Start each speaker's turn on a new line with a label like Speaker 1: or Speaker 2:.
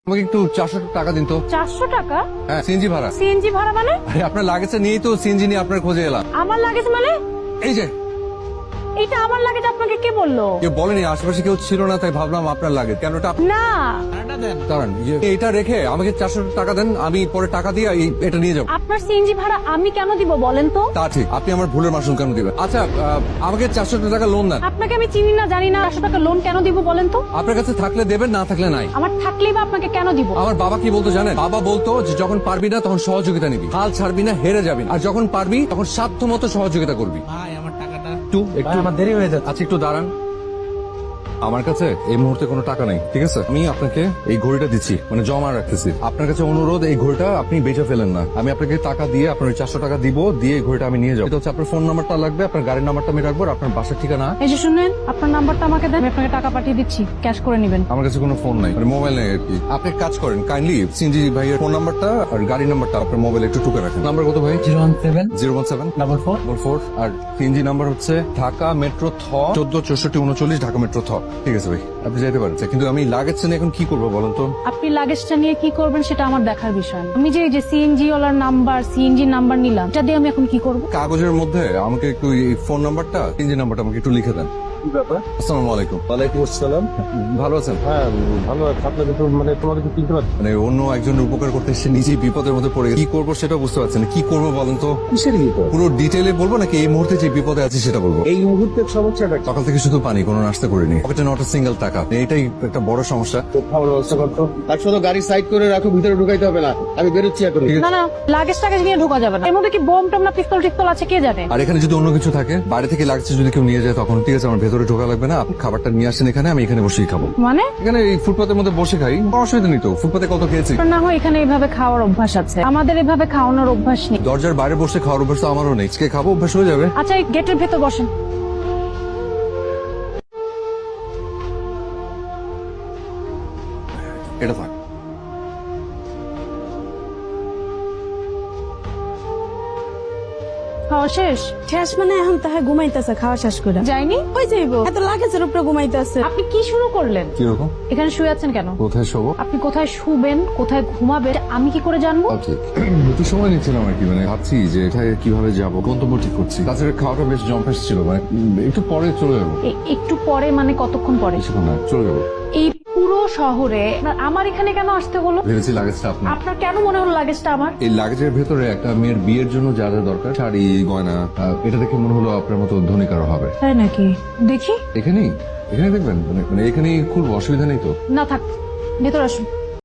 Speaker 1: আমাকে একটু 400 টাকা দিন তো।
Speaker 2: 400 টাকা?
Speaker 1: হ্যাঁ, সিএনজি ভাড়া।
Speaker 2: সিএনজি ভাড়া মানে?
Speaker 1: আরে আপনার লাগেজটা নিয়েই তো সিএনজি নিয়ে আপনার খোঁজে এলাম।
Speaker 2: আমার লাগেজ মানে?
Speaker 1: এই যে
Speaker 2: এটা আমার লাগেজ আপনাকে কে বললো?
Speaker 1: কেউ বলেনি, আশেপাশে কেউ ছিল না, তাই ভাবলাম আপনার লাগেজ। কেন এটা
Speaker 2: না,
Speaker 1: দাঁড়ান, এটা রেখে আমাকে 400 টাকা দেন, আমি পরে টাকা দিয়ে এটা নিয়ে যাবো।
Speaker 2: আপনার সিএনজি ভাড়া আমি কেন দিব বলেন তো?
Speaker 1: তা ঠিক, আপনি আমার ভুলের মাসুল কেন দিবেন? আচ্ছা, আমাকে 400 টাকা লোন দেন।
Speaker 2: আপনাকে আমি চিনি না জানি না, 400 টাকা লোন কেন দিব বলেন তো?
Speaker 1: আপনার কাছে থাকলে দেবেন, না থাকলে নাই।
Speaker 2: আমার থাকলেই বা আপনাকে কেন দিব?
Speaker 1: আমার বাবা কি বলতো জানেন? বাবা বলতো যে যখন পারবি না তখন সহযোগিতা নিবি, হাল ছাড়বি না, হেরে যাবি না। আর যখন পারবি তখন সাধ্য মতো সহযোগিতা করবি।
Speaker 3: ভাই আমার টাকাটা
Speaker 1: একটু
Speaker 3: আমার দেরি হয়ে যাচ্ছে।
Speaker 1: আচ্ছা, একটু দাঁড়ান। আমার কাছে এই মুহূর্তে কোনো টাকা নেই, ঠিক আছে? আমি আপনাকে এই ঘড়িটা দিচ্ছি, মানে জমা রাখতেছি। আপনার কাছে অনুরোধ, এই ঘড়িটা আপনি বেচে ফেলেন না। আমি আপনাকে টাকা দিয়ে আপনার ওই 400 টাকা দিব, দিয়ে এই ঘড়িটা আমি নিয়ে যাবো। এটা হচ্ছে আপনার ফোন নাম্বারটা লাগবে, আপনার গাড়ির নাম্বারটা আমি রাখবো, আর আপনার বাসার ঠিকানা।
Speaker 2: এই যে শুনেন, আপনার নাম্বারটা আমাকে দেন, আমি আপনাকে টাকা পাঠিয়ে দিচ্ছি, ক্যাশ করে নেবেন।
Speaker 1: আমার কাছে কোনো ফোন নাই, মানে মোবাইল নেই আর কি। আপনি এক কাজ করেন, কাইন্ডলি সিনজি ভাইয়ের ফোন নাম্বারটা আর গাড়ির নাম্বারটা আপনার মোবাইলে একটু টুকে রাখেন। নাম্বার কত ভাই?
Speaker 3: 017
Speaker 1: 017
Speaker 3: 44
Speaker 1: 4 আর সিএনজি নাম্বার হচ্ছে ঢাকা মেট্রো থ 146439 ঢাকা মেট্রো থ। ঠিক আছে ভাই, আপনি যেতে পারেন। কিন্তু আমি লাগেজটা নিয়ে এখন কি করবো বলেন তো?
Speaker 2: আপনি লাগেজটা নিয়ে কি করবেন সেটা আমার দেখার বিষয় না। আমি যে এই যে সিএনজি ওয়ালার নাম্বার, সিএনজি নাম্বার নিলাম, এটা দিয়ে আমি এখন কি করব?
Speaker 1: কাগজের মধ্যে আমাকে একটু এই ফোন নাম্বারটা, সিএনজি নাম্বারটা আমাকে একটু লিখে দেন।
Speaker 4: কি ব্যাপার?
Speaker 1: আসসালামু আলাইকুম।
Speaker 4: ওয়ালাইকুম আসসালাম।
Speaker 1: ভালো আছেন?
Speaker 4: হ্যাঁ, ভালো আছে। আপনাকে তো মানে তোমাকে তো চিনতে পারছি।
Speaker 1: মানে অন্য একজনের উপকার করতে এসে নিজেই বিপদের মধ্যে পড়ে গেছে। কি করবো সেটা বুঝতে পারছেন না। কি করবো বলেন তো?
Speaker 4: কিসের বিপদ?
Speaker 1: পুরো ডিটেইলে বলবো নাকি এই মুহূর্তে যে বিপদে আছে সেটা বলবো?
Speaker 4: এই মুহূর্তের সমস্যাটা কি?
Speaker 1: সকাল থেকে শুধু পানি, কোনো নাস্তা করিনি, পকেটে নট সিঙ্গেল টাকা। এটাই একটা বড় সমস্যা।
Speaker 4: তো খাওয়ার ব্যবস্থা করতো। তার শুধু গাড়ি সাইড করে রাখো, ভিতরে ঢুকাইতে হবে না। আমি বেরোচ্ছি এখন।
Speaker 2: না না, লাগেজ টাগেজ নিয়ে ঢোকা যাবে না। এর মধ্যে কি বোম টম না পিস্তল টিস্তল আছে কে জানে?
Speaker 1: আর এখানে যদি অন্য কিছু থাকে, বাইরে থেকে লাগছে যদি কেউ নিয়ে যায়, তখন ঠিক আছে, আমার ভেতরে ঢোকা লাগবে না। আপনি খাবারটা নিয়ে আসেন এখানে, আমি এখানে বসেই খাবো।
Speaker 2: মানে
Speaker 1: এখানে এই ফুটপাতের মধ্যে বসে খাই, কোনো অসুবিধা নেই তো। ফুটপাতে কত খেয়েছি।
Speaker 2: আপনার না হয় এখানে এভাবে খাওয়ার অভ্যাস আছে, আমাদের এভাবে খাওয়ানোর অভ্যাস নেই।
Speaker 1: দরজার বাইরে বসে খাওয়ার অভ্যাস তো আমারও নেই। আজকে খাবো, অভ্যাস হয়ে যাবে।
Speaker 2: আচ্ছা, এই গেটের ভেতর বসেন।
Speaker 1: এটা থাক।
Speaker 2: খাওয়া শেষ?
Speaker 5: শেষ মানে এখন তাহা ঘুমাইতেছে খাওয়া শেষ করে
Speaker 2: যায়নি?
Speaker 5: ওই যাইবো এত লাগেজের উপরে ঘুমাইতেছে।
Speaker 2: আপনি কি শুরু করলেন?
Speaker 1: কিরকম?
Speaker 2: এখানে শুয়ে আছেন কেন?
Speaker 1: কোথায় শোবো?
Speaker 2: আপনি কোথায় শুবেন, কোথায় ঘুমাবেন আমি কি করে জানবো?
Speaker 1: একটু সময় নিচ্ছিলাম আর কি, মানে ভাবছি যে এটায় কিভাবে যাবো, গন্তব্য ঠিক করছি। তাছাড়া খাওয়াটা বেশ জম্পেশ ছিল, মানে একটু পরে চলে যাবো।
Speaker 2: একটু পরে মানে কতক্ষণ পরে?
Speaker 1: বেশিক্ষণ না, চলে যাবো।
Speaker 2: এই পুরো শহরে আমার এখানে কেন আসতে হলো?
Speaker 1: ভেবেছি লাগেজটা আপনার।
Speaker 2: আপনার কেন মনে হলো লাগেজটা আমার?
Speaker 1: এই লাগেজের ভেতরে একটা মেয়ের বিয়ের জন্য যা যা দরকার, শাড়ি, গয়না, এটা দেখে মনে হলো আপনার মতো ধনী কারো হবে।
Speaker 2: তাই নাকি? দেখি।
Speaker 1: এখানেই দেখবেন, মানে এখানেই খুব অসুবিধা নেই তো?
Speaker 2: না থাক, ভেতর আসুন।